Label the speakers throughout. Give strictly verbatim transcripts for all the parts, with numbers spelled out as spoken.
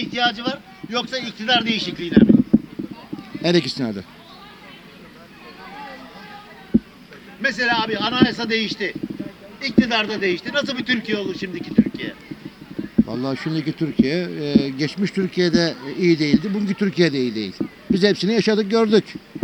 Speaker 1: ihtiyacı var yoksa iktidar değişikliğine mi?
Speaker 2: Her ikisine de.
Speaker 1: Mesela abi anayasa değişti. İktidar da değişti. Nasıl bir Türkiye olur şimdiki Türkiye?
Speaker 2: Vallahi şimdiki Türkiye, e, geçmiş Türkiye'de iyi değildi, bugünkü Türkiye'de iyi değil. Biz hepsini yaşadık, gördük.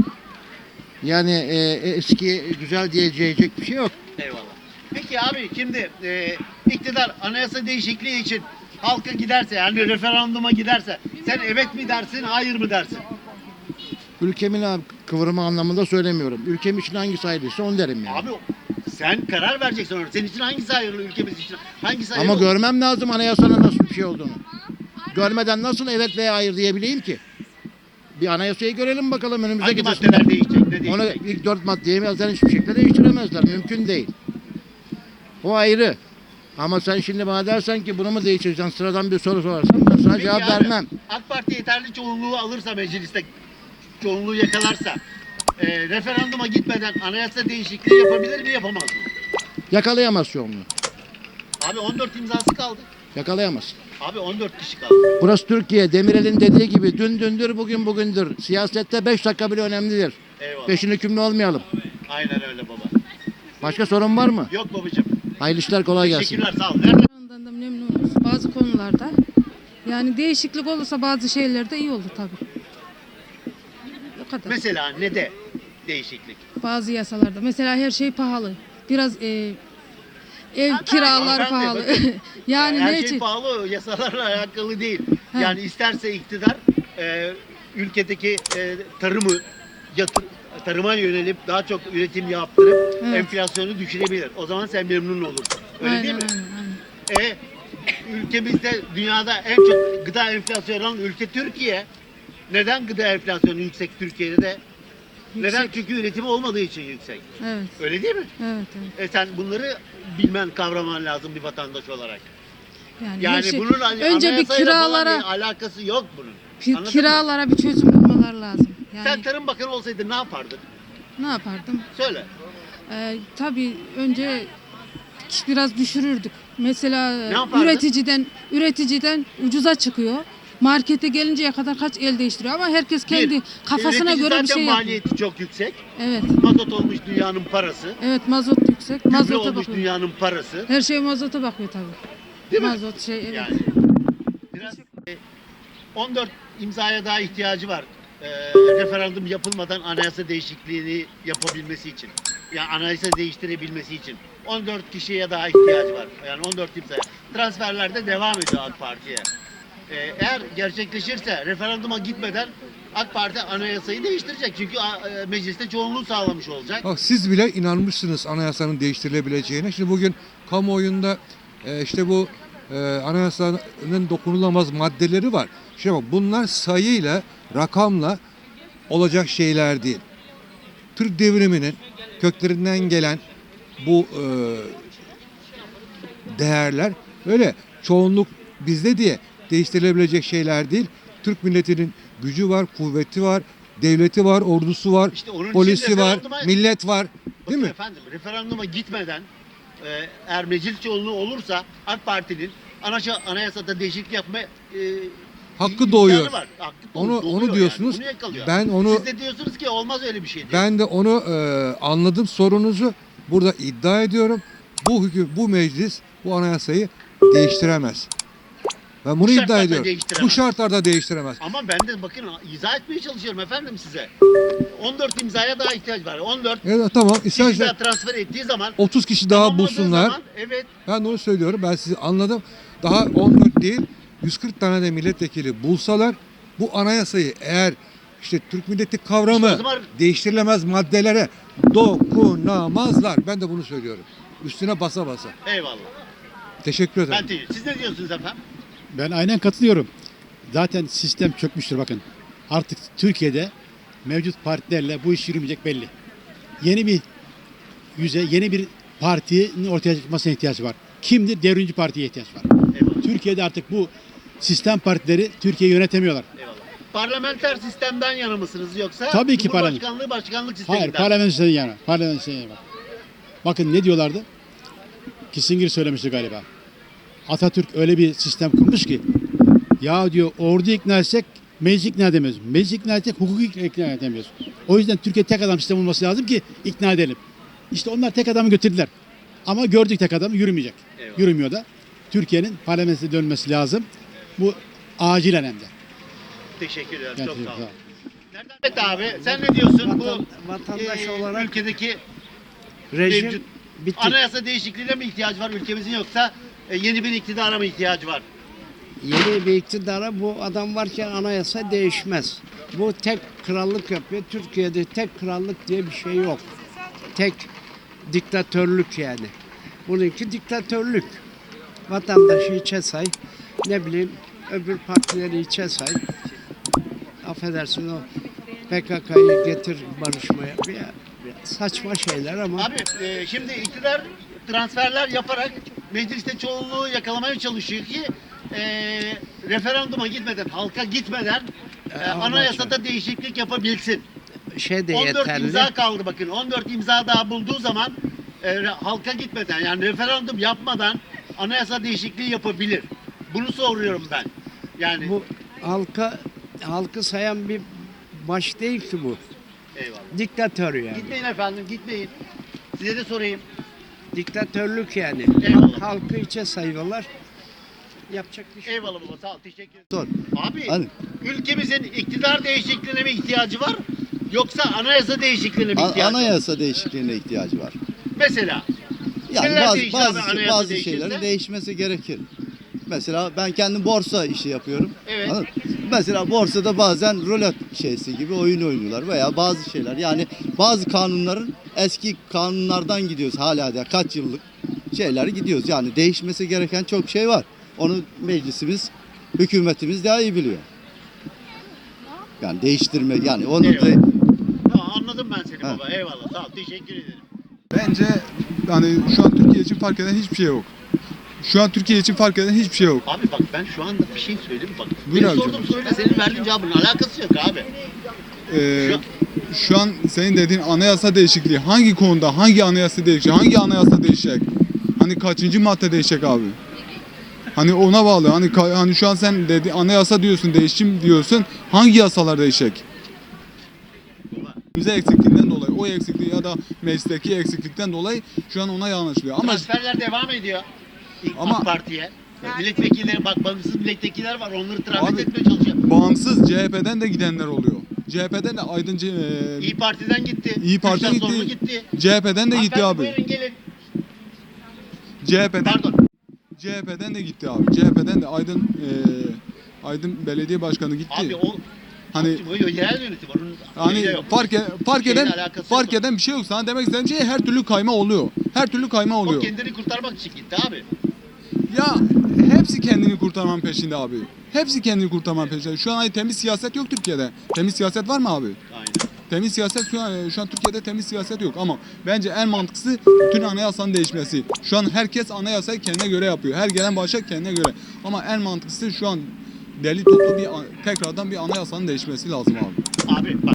Speaker 2: Yani e, eski güzel diyecek bir şey yok.
Speaker 1: Eyvallah. Peki abi şimdi e, iktidar anayasa değişikliği için halka giderse yani referanduma giderse sen evet mi dersin hayır mı dersin?
Speaker 2: Ülkemin abi, kıvırma anlamında söylemiyorum. Ülkem için hangisi hayırlıysa onu derim yani.
Speaker 1: Abi sen karar vereceksin orada. Senin için hangisi hayırlı ülkemiz için? Hangisi hayırlı?
Speaker 2: Ama görmem lazım anayasanın nasıl bir şey olduğunu. Görmeden nasıl evet veya hayır diyebileyim ki? Bir anayasayı görelim bakalım önümüzdeki
Speaker 1: Hangi maddeler değişecek? Ne değişecek?
Speaker 2: Onu ilk dört maddeyi zaten hiçbir şekilde değiştiremezler. Mümkün değil. O ayrı. Ama sen şimdi bana dersen ki bunu mu değiştireceksin, sıradan bir soru sorarsan ben sana
Speaker 1: Peki
Speaker 2: cevap
Speaker 1: abi,
Speaker 2: vermem.
Speaker 1: AK Parti yeterli çoğunluğu alırsa mecliste, çoğunluğu yakalarsa e, referanduma gitmeden anayasa değişikliği yapabilir mi yapamaz mı?
Speaker 2: Yakalayamaz çoğunluğu.
Speaker 1: Abi on dört imzası kaldı.
Speaker 2: Yakalayamaz.
Speaker 1: Abi on dört kişi kaldı.
Speaker 2: Burası Türkiye. Demirel'in dediği gibi dün dündür, bugün bugündür. Siyasette beş dakika bile önemlidir.
Speaker 1: Eyvallah.
Speaker 2: Peşin hükümlü olmayalım.
Speaker 1: Aynen öyle baba.
Speaker 2: Başka sorun var mı?
Speaker 1: Yok babacığım.
Speaker 2: Hayırlı işler, kolay gelsin.
Speaker 1: Teşekkürler, sağ ol. Nerede?
Speaker 3: Ondan da memnunuz bazı konularda. Yani değişiklik olursa bazı şeylerde iyi olur tabii. O kadar.
Speaker 1: Mesela ne de değişiklik?
Speaker 3: Bazı yasalarda. Mesela her şey pahalı. Biraz e, ev kiralar
Speaker 1: hanımefendi,
Speaker 3: pahalı.
Speaker 1: bakın.
Speaker 3: yani
Speaker 1: Her
Speaker 3: ne
Speaker 1: şey
Speaker 3: için?
Speaker 1: pahalı, yasalarla alakalı değil.
Speaker 3: He.
Speaker 1: Yani isterse iktidar e, ülkedeki e, tarımı yatır, tarıma yönelip daha çok üretim yaptırıp
Speaker 3: Evet.
Speaker 1: enflasyonu düşürebilir. O zaman sen memnun olursun. Öyle
Speaker 3: Aynen,
Speaker 1: değil mi?
Speaker 3: aynen, aynen.
Speaker 1: E, ülkemizde dünyada en çok gıda enflasyonu olan ülke Türkiye. Neden gıda enflasyonu yüksek Türkiye'de de? Neden?
Speaker 3: Yüksek.
Speaker 1: Çünkü üretimi olmadığı için yüksek.
Speaker 3: Evet.
Speaker 1: Öyle değil mi?
Speaker 3: Evet, evet.
Speaker 1: E sen bunları bilmen, kavraman lazım bir vatandaş olarak.
Speaker 3: Yani,
Speaker 1: Yani
Speaker 3: her şey-
Speaker 1: bunun hani
Speaker 3: önce bir
Speaker 1: anayasayla falan
Speaker 3: kiralara
Speaker 1: bir alakası yok bunun.
Speaker 3: pi-
Speaker 1: Anladın mı?
Speaker 3: kiralara bir çözüm bulmalar lazım. Yani
Speaker 1: Sen Tarım Bakanı olsaydın ne yapardın?
Speaker 3: ne yapardım?
Speaker 1: Söyle.
Speaker 3: Ee, tabii önce biraz düşürürdük. Mesela
Speaker 1: Ne yapardın?
Speaker 3: üreticiden üreticiden ucuza çıkıyor. Markete gelinceye kadar kaç el değiştiriyor ama herkes kendi
Speaker 1: Bir,
Speaker 3: kafasına
Speaker 1: üretici
Speaker 3: göre bir
Speaker 1: zaten
Speaker 3: şey yapıyor.
Speaker 1: maliyeti çok yüksek.
Speaker 3: Evet.
Speaker 1: Mazot olmuş dünyanın parası.
Speaker 3: Evet, mazot yüksek.
Speaker 1: Gübre
Speaker 3: Mazota
Speaker 1: olmuş
Speaker 3: bakıyor.
Speaker 1: dünyanın parası.
Speaker 3: Her şey mazota bakıyor tabii.
Speaker 1: Değil mi?
Speaker 3: Mazot şey evet.
Speaker 1: Yani. Biraz e, on dört imzaya daha ihtiyacı var. E, referandum yapılmadan anayasa değişikliğini yapabilmesi için. Yani anayasa değiştirebilmesi için. on dört kişiye daha ihtiyacı var. Yani on dört imzaya. Transferler de devam ediyor AK Parti'ye. E, eğer gerçekleşirse referanduma gitmeden AK Parti anayasayı değiştirecek. Çünkü a, e, mecliste çoğunluğu sağlamış olacak.
Speaker 4: Bak siz bile inanmışsınız anayasanın değiştirilebileceğine. Şimdi bugün kamuoyunda e, işte bu e, anayasanın dokunulamaz maddeleri var. Şimdi bak bunlar sayıyla, rakamla olacak şeyler değil. Türk devriminin köklerinden gelen bu e, değerler öyle çoğunluk bizde diye değiştirilebilecek şeyler değil. Türk milletinin gücü var, kuvveti var, devleti var, ordusu var,
Speaker 1: İşte onun için
Speaker 4: polisi var,
Speaker 1: referanduma-
Speaker 4: millet var.
Speaker 1: Bakın
Speaker 4: Değil mi?
Speaker 1: efendim referanduma gitmeden e, eğer meclis çoğunluğu olursa AK Parti'nin anayasa, anayasada değişiklik yapma e,
Speaker 4: Hakkı
Speaker 1: imkanı
Speaker 4: doğuyor.
Speaker 1: var. Hakkı
Speaker 4: Onu-
Speaker 1: doğuyor
Speaker 4: onu
Speaker 1: yani.
Speaker 4: diyorsunuz.
Speaker 1: Bunu yakalıyor.
Speaker 4: Ben onu-
Speaker 1: Siz de diyorsunuz ki olmaz öyle bir şey diye.
Speaker 4: Ben de onu e, anladım sorunuzu. Burada iddia ediyorum. Bu hüküm, bu meclis bu anayasayı değiştiremez. Ben bunu
Speaker 1: Bu
Speaker 4: iddia
Speaker 1: şartlarda
Speaker 4: ediyorum.
Speaker 1: değiştiremez.
Speaker 4: Bu şartlarda değiştiremez.
Speaker 1: Ama ben de bakın izah etmeye çalışıyorum efendim size. on dört imzaya daha ihtiyaç var. on dört
Speaker 4: Evet, tamam.
Speaker 1: kişi
Speaker 4: İsterse
Speaker 1: daha transfer ettiği zaman
Speaker 4: otuz kişi daha
Speaker 1: tamamladığı
Speaker 4: bulsunlar.
Speaker 1: zaman, evet.
Speaker 4: Ben de onu söylüyorum. Ben sizi anladım. Daha on dört değil yüz kırk tane de milletvekili bulsalar bu anayasayı eğer işte Türk milleti kavramı
Speaker 1: İşte o zaman-
Speaker 4: değiştirilemez maddelere dokunamazlar. Ben de bunu söylüyorum. Üstüne basa basa.
Speaker 1: Eyvallah.
Speaker 4: Teşekkür ederim.
Speaker 1: Ben değil. Siz ne diyorsunuz efendim?
Speaker 5: Ben aynen katılıyorum. Zaten sistem çökmüştür bakın. Artık Türkiye'de mevcut partilerle bu iş yürümeyecek belli. Yeni bir yüze, yeni bir partinin ortaya çıkmasına ihtiyaç var. Kimdir? Devrimci partiye ihtiyaç var.
Speaker 1: Eyvallah.
Speaker 5: Türkiye'de artık bu sistem partileri Türkiye'yi yönetemiyorlar.
Speaker 1: Eyvallah. Parlamenter sistemden yana mısınız yoksa
Speaker 5: Tabii ki
Speaker 1: Cumhurbaşkanlığı başkanlık sisteminden?
Speaker 5: Hayır, parlamenter yana. Parlamenter yana bak. Bakın ne diyorlardı? Kissinger söylemişti galiba. Atatürk öyle bir sistem kurmuş ki Ya diyor ordu ikna etsek meclis ikna edemiyoruz. Meclis ikna etsek hukuku ikna edemiyoruz. O yüzden Türkiye tek adam sistemi olması lazım ki ikna edelim. İşte onlar tek adamı götürdüler. Ama gördük tek adam yürümeyecek.
Speaker 1: Eyvallah.
Speaker 5: Yürümüyor da. Türkiye'nin parlamentine dönmesi lazım. Bu acilen hem de.
Speaker 1: Teşekkür ederim. Çok
Speaker 5: Gerçekten
Speaker 1: sağ
Speaker 5: sağ
Speaker 1: olun.
Speaker 5: ol.
Speaker 1: Nereden Mehmet abi sen ne diyorsun
Speaker 6: Vatan-
Speaker 1: bu
Speaker 6: vatandaş
Speaker 1: e,
Speaker 6: olarak
Speaker 1: ülkedeki
Speaker 6: rejim
Speaker 1: mevcut
Speaker 6: bitti.
Speaker 1: anayasa değişikliğine mi ihtiyacı var ülkemizin yoksa e, yeni bir iktidara mı ihtiyacı var?
Speaker 6: Yeni bir iktidara bu adam varken anayasa değişmez. Bu tek krallık yapıyor. Türkiye'de tek krallık diye bir şey yok. Tek diktatörlük yani. Bununki diktatörlük. Vatandaşı içe say. Ne bileyim öbür partileri içe say. Affedersin o P K K'yı getir barışmaya. Ya, saçma şeyler ama
Speaker 1: Abi e, şimdi iktidar transferler yaparak mecliste çoğunluğu yakalamaya çalışıyor ki e, referanduma gitmeden, halka gitmeden e,
Speaker 6: ama
Speaker 1: anayasada değişiklik yapabilsin.
Speaker 6: şey de
Speaker 1: on dört
Speaker 6: yeterli.
Speaker 1: imza kaldı bakın. on dört imza daha bulduğu zaman e, re- halka gitmeden yani referandum yapmadan anayasa değişikliği yapabilir. Bunu soruyorum ben. Yani
Speaker 6: Bu halka halkı sayan bir baş değil ki bu.
Speaker 1: eyvallah.
Speaker 6: Diktatör yani.
Speaker 1: Gitmeyin efendim, gitmeyin. Size de sorayım.
Speaker 6: Diktatörlük yani.
Speaker 1: Eyvallah.
Speaker 6: Halkı içe sayıyorlar. Yapacak bir şey yok.
Speaker 1: Eyvallah baba, sağ ol, teşekkür ederim.
Speaker 2: Sor.
Speaker 1: Abi,
Speaker 2: Hani?
Speaker 1: ülkemizin iktidar değişikliğine mi ihtiyacı var? Yoksa anayasa değişikliğine mi
Speaker 7: A-
Speaker 1: ihtiyacı var?
Speaker 7: Anayasa değişikliğine ihtiyacı var.
Speaker 1: Mesela,
Speaker 7: Yani
Speaker 1: Neler
Speaker 7: bazı
Speaker 1: değişir abi
Speaker 7: bazı,
Speaker 1: anayasa
Speaker 7: bazı
Speaker 1: değişirse?
Speaker 7: şeylerin değişmesi gerekir. Mesela ben kendim borsa işi yapıyorum.
Speaker 1: Evet.
Speaker 7: Anladın mı? Mesela borsada bazen rulet şeysi gibi oyun oynuyorlar veya bazı şeyler. Yani bazı kanunların eski kanunlardan gidiyoruz hala da kaç yıllık şeyler gidiyoruz. Yani değişmesi gereken çok şey var. Onu meclisimiz, hükümetimiz daha iyi biliyor. Yani değiştirme yani onu
Speaker 1: Eyvallah.
Speaker 7: da
Speaker 1: tamam, anladım ben seni
Speaker 7: Ha.
Speaker 1: baba, eyvallah, sağ ol, teşekkür ederim.
Speaker 8: Bence hani şu an Türkiye için fark eden hiçbir şey yok. Şu an Türkiye için fark eden hiçbir şey yok.
Speaker 1: Abi bak ben şu anda bir şey söyleyeyim bak.
Speaker 8: Buyur
Speaker 1: Benim
Speaker 8: abi
Speaker 1: sorduğum
Speaker 8: canım.
Speaker 1: soruyla senin verdiğin cevabın alakası yok abi.
Speaker 8: Ee,
Speaker 1: Şu-
Speaker 8: şu an senin dediğin anayasa değişikliği hangi konuda hangi anayasa değişecek? Hangi anayasa değişecek? Hani kaçıncı madde değişecek abi? Hani ona bağlı. Hani ka- hani şu an sen dedi anayasa diyorsun, değişim diyorsun. Hangi yasalar değişecek? Bize eksikliğinden dolayı, o eksikliği ya da meclisteki eksiklikten dolayı şu an ona yanlışlıyor. Ama
Speaker 1: Transferler devam ediyor. İlk
Speaker 8: Ama-
Speaker 1: AK Parti'ye. Milletvekilleri bak bağımsız milletvekiller var onları transfer
Speaker 8: Abi-
Speaker 1: etmeye çalışıyor.
Speaker 8: bağımsız C H P'den de gidenler oluyor. C H P'den de Aydın C- e,
Speaker 1: İyi Parti'den gitti.
Speaker 8: İyi Parti'den
Speaker 1: Kürşat Zorlu
Speaker 8: gitti.
Speaker 1: gitti.
Speaker 8: C H P'den de gitti
Speaker 1: Hanımefendi,
Speaker 8: abi.
Speaker 1: Buyurun gelin.
Speaker 8: C H P'den
Speaker 1: Pardon.
Speaker 8: C H P'den de gitti abi. C H P'den de Aydın e, Aydın Belediye Başkanı gitti.
Speaker 1: Abi o
Speaker 8: hani
Speaker 1: o yerel yönetim var. Onun
Speaker 8: hani
Speaker 1: şeyle yok.
Speaker 8: fark e- fark
Speaker 1: Şeyle
Speaker 8: eden
Speaker 1: alakası
Speaker 8: fark
Speaker 1: yok.
Speaker 8: eden bir şey yok. Sana demek istediğim şey her türlü kayma oluyor. Her türlü kayma
Speaker 1: O
Speaker 8: oluyor.
Speaker 1: kendini kurtarmak için gitti abi.
Speaker 8: Ya hepsi kendini kurtarmanın peşinde abi. Hepsi kendini kurtarmanın peşinde. Şu an hani temiz siyaset yok Türkiye'de. Temiz siyaset var mı abi?
Speaker 1: Aynen.
Speaker 8: Temiz siyaset şu an, şu an Türkiye'de temiz siyaset yok ama bence en mantıklısı bütün anayasanın değişmesi. Şu an herkes anayasayı kendine göre yapıyor. Her gelen başa kendine göre. Ama en mantıklısı şu an deli toplu bir tekrardan bir anayasanın değişmesi lazım abi.
Speaker 1: Abi bak